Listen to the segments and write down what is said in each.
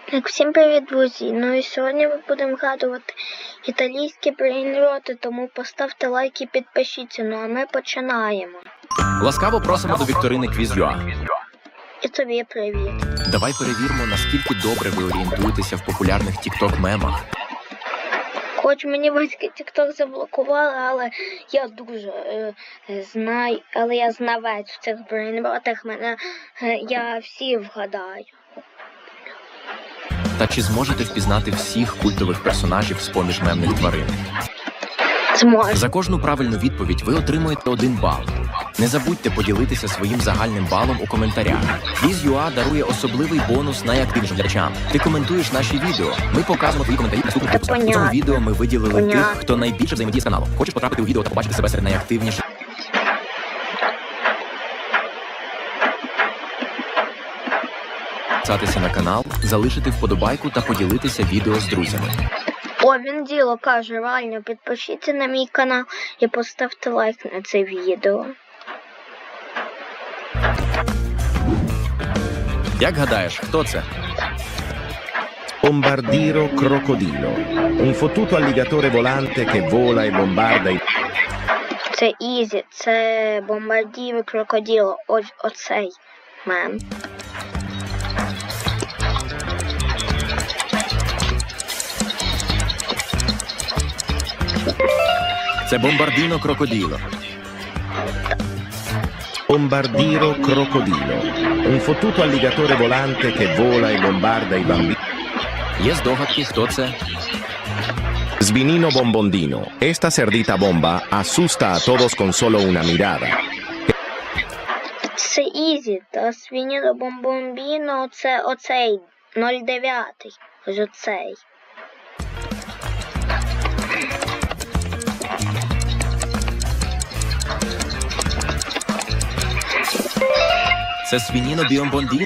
Всім привіт, друзі! Ну і сьогодні ми будемо згадувати італійські брейнроти, тому поставте лайк і підпишіться. Ну а ми починаємо. Ласкаво просимо до вікторини Quiz.ua. І тобі привіт. Давай перевіримо, наскільки добре ви орієнтуєтеся в популярних TikTok-мемах. Хоч мені батьки TikTok заблокували, але я дуже знаю, але я знавець в цих брейнротах, я всі вгадаю. Та чи зможете впізнати всіх культових персонажів з-поміж мемних тварин? Зможу. За кожну правильну відповідь ви отримуєте 1 бал. Не забудьте поділитися своїм загальним балом у коментарях. Quiz.ua дарує особливий бонус найактивнішим глядачам. Ти коментуєш наші відео. Ми показуємо твої коментарі в наступних випусках. У цьому відео ми виділили тих, хто найбільше взаємодіє з каналом. Хочеш потрапити у відео та побачити себе серед найактивніших? Підписатися на канал, залишити вподобайку та поділитися відео з друзями. О, він діло каже, реально, підпишіться на мій канал і поставте лайк на це відео. Як гадаєш, хто це? Bombardiro crocodilo, un fottuto alligatore volante che vola e bombarda i... Це Ізі, це бомбардіро крокодило, ось оцей мем. Це Бомбардіно Крокоділо. Bombardiro crocodilo, un fottuto alligatore volante che vola e bombarda i bambini. Є здогадки, хто це? Svinino bombondino, esta cerdita bomba asusta a todos con solo una mirada. Це Ізі, та свініно бомбомбіно, це оцей, 09, ось оцей. Це Свініно Біомбондіно.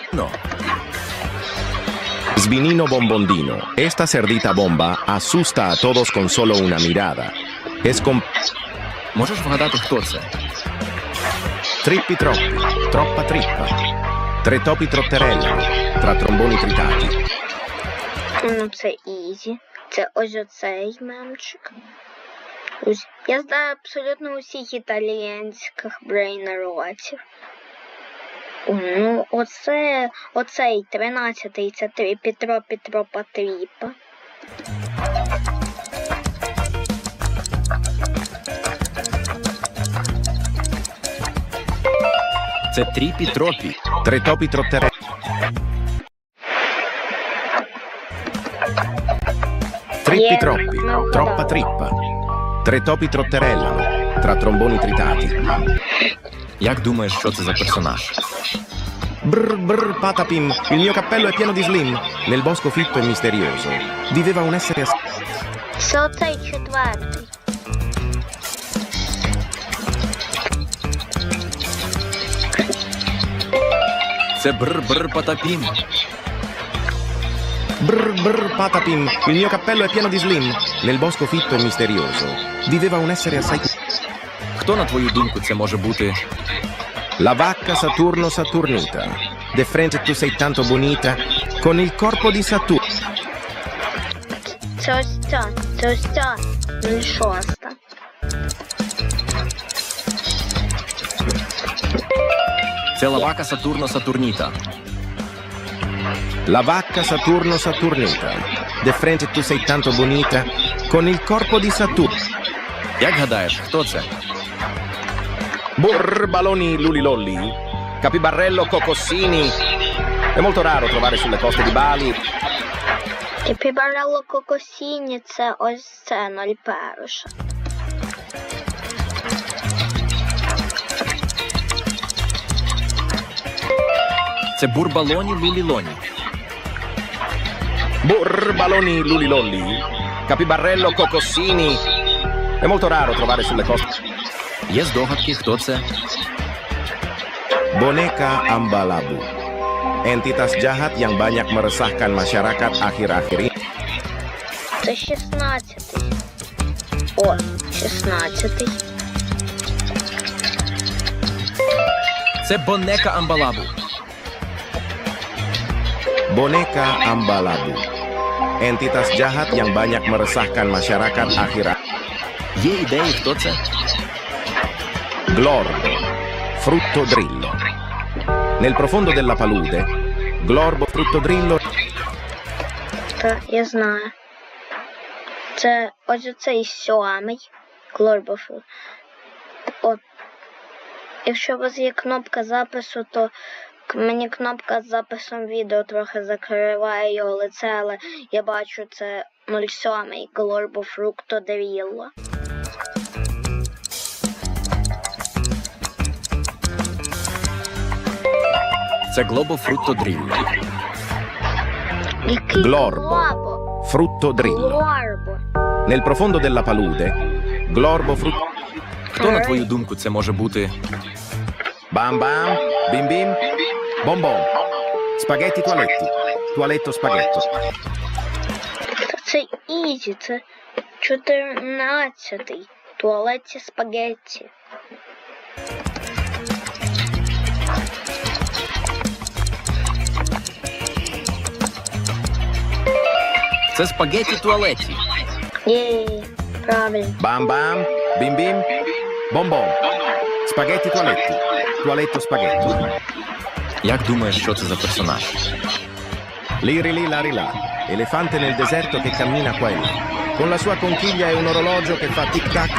Svinino bombondino, esta cerdita bomba asusta a todos con solo una mirada. Es con Можеш вгадати, хто це? trippi troppi, troppa trippa. Tre topi trotterellano, tra tromboni tritati. Ну, це Ізі. Це ось оцей мемчик. Ось. Я знаю абсолютно усіх італіянських брейнротів. Ну, оцей 13-й, це Петро Патріпа. Це Тріпі Тропі. Tre topi trotterellano. Trippi troppi, troppa trippa. Tre topi trotterellano, tra tromboni tritati. Як думаєш, що це за персонаж? Brr brr patapim, il mio cappello è pieno di slim. Nel bosco fitto e misterioso viveva un essere Це оцей 4-й. Це Бр-Бр Патапім. Brr brr patapim, il mio cappello è pieno di slim. Nel bosco fitto e misterioso viveva un essere assai... Хто, на твою думку, це може бути? La vacca Saturno Saturnita. De frente tu sei tanto bonita, con il corpo di Saturno. Це ось ця, 06. Це Лавака Сатурно Сатурніта. La vacca Saturno Saturnita. De frente tu sei tanto bonita, con il corpo di Saturno. Як гадаєш, хто це? Brr baloni lulilolli, capibarrello cocossini. È molto raro trovare sulle coste di Bali. І Пібарелло Кокосіні, це ось це 01. Це Бурбалоні Лулілоні. Brr baloni lulilolli, capibarrello cocossini. È molto raro trovare sulle coste. Є здогадки, хто це? Boneka Ambalabu. Entitas jahat yang banyak meresahkan masyarakat akhir-akhir ini. Це 16-й. О, 16-й. Це Бонека Амбалабу. Boneka Ambalabu. Entitas jahat yang banyak meresahkan masyarakat akhirat. Є ідеї, хто це? Glorbo, frutto drillo. Nel profondo della palude, Glorbo frutto drillo Та, я знаю. Це ось оцей сьомий Глорбофу. От. Якщо у вас є кнопка запису, то мені кнопка з записом відео трохи закриває його лице, але я бачу це 07 Глорбо Фрукто Дрілло. Це Глобо Фрутто Дрілло. Який Глорбо. Глобо? frutto drillo. Глорбо. Nel profondo della palude, Glorbo frutto... Хто, на твою думку, це може бути? Bam bam, bim bim, bom bom. Spaghetti toaletti, toaletto spaghetto. Та це ізі, це 14-й. Туалетті спагетті. Це спагетті туалеті. Єй, правильно. Bam bam, bim bim, bom bom. Spaghetti toaletti, toaletto spaghetto. Як думаєш, що це за персонаж? Liri li lari là, elefante nel deserto che cammina qua e là. Con la sua conchiglia e un orologio che fa tic tac.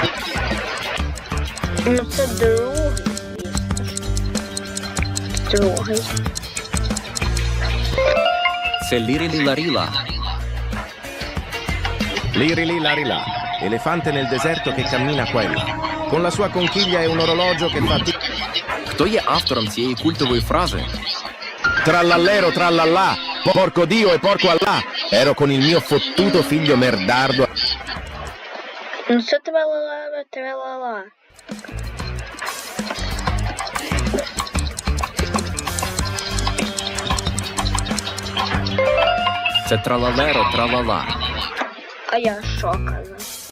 Ну це другий, звісно. Другий. Це Лірілі Ларіла. Liri li lari là, elefante nel deserto che cammina qua e là. Con la sua conchiglia e un orologio che fa tic. Хто є автором цієї культової фрази? Trallallero trallallà, porco Dio e porco Allah. Ero con il mio fottuto figlio merdardo. Ну це тралала, тралала. Це Тралалеро Тралала. А я що казав?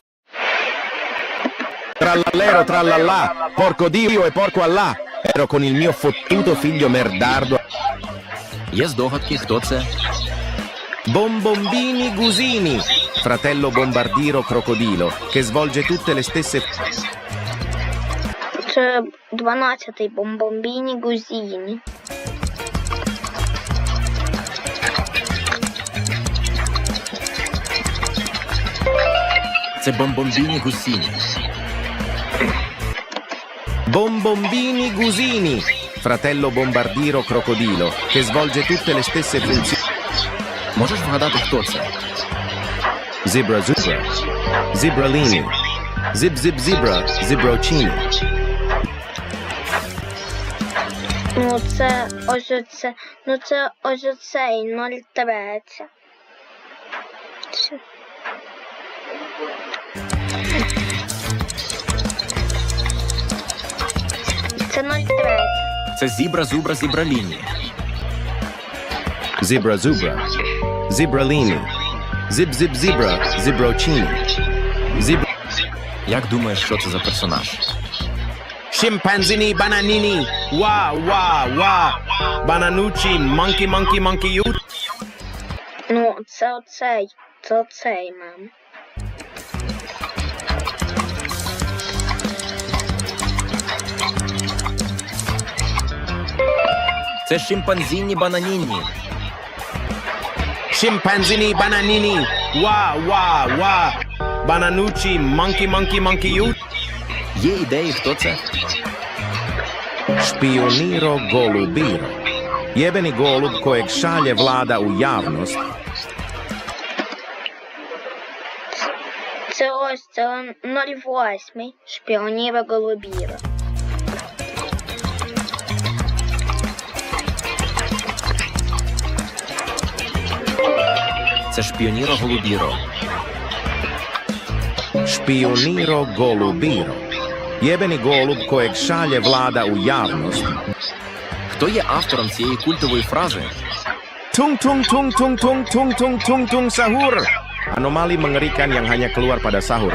Trallallero trallallà, porco Dio e porco Allah. Ero con il mio fottuto figlio merdardo. Є здогадки, хто це? Bombombini Gusini, fratello bombardiro crocodilo, che svolge tutte le stesse... Це 12-й Бомбомбіні Гузіні. Це Бомбомбіні Гусіні. Bombombini Gusini, fratello bombardiro crocodilo, che svolge tutte le stesse funzioni... Можеш вгадати, хто це? Zebra Zubra, Zibralini, Zib Zib Zebra, Zibrocini. Ну це ось оце, ну це ось оцей 03. Це 03. Це Зібра Зубра Зібраліні. Zebra Zubra, Zibralini, Zib Zib Zebra, Zibrocini. Zib... Як думаєш, що це за персонаж? Scimpanzini bananini, wah wah wah, bananucci, monkey monkey monkey you. Ну, це оцей, мам. Це Шимпанзіні Бананінні. Scimpanzini bananini, wah wah wah, bananucci, monkey monkey monkey you. Є ідеї, хто це? Špioniro golubiro. Jebeni golub kojeg šalje vlada u javnost. Це ось, це 08 Шпіоніра Голубіра. Це Шпіоніро Голубіро. Špioniro golubiro. Jebeni golub kojeg šalje vlada u javnost. Хто є автором цієї культової фрази? Tung tung tung tung tung tung tung tung tung sahur. Anomali mengerikan yang hanya keluar pada sahur.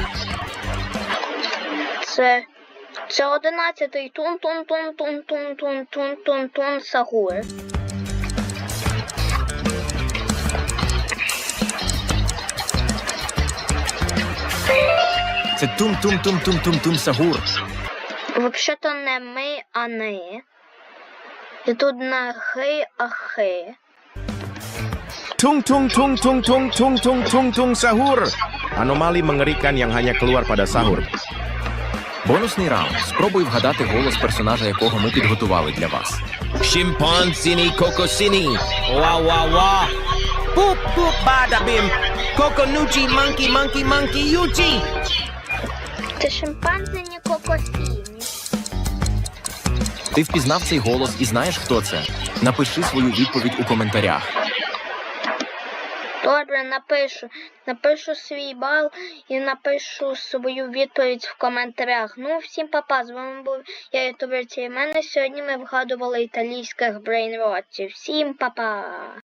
Це 11-й тун-тун-тун-тун-тун-тун-тун-тун-тун Сагур. Це тум-тум-тум-тум-тум-тум Сагур. Взагалі-то не ми, а не. І тут не хи, а хи. Tung tung tung tung tung tung tung tung tung sahur. Anomali mengerikan yang hanya keluar pada sahur. Бонусний раунд. Спробуй вгадати голос персонажа, якого ми підготували для вас. Chimpanzini Kokosini. Wah wah wah. Boop boop bada bim. Kokonuchi monkey monkey monkey yuchi. Це шимпанзині кокосіні. Ти впізнав цей голос і знаєш, хто це? Напиши свою відповідь у коментарях. Добре, напишу свій бал і напишу свою відповідь в коментарях. Ну, всім па-па, з вами був я, ютубер Тімене. Сьогодні ми вгадували італійських брейнротів. Всім па-па!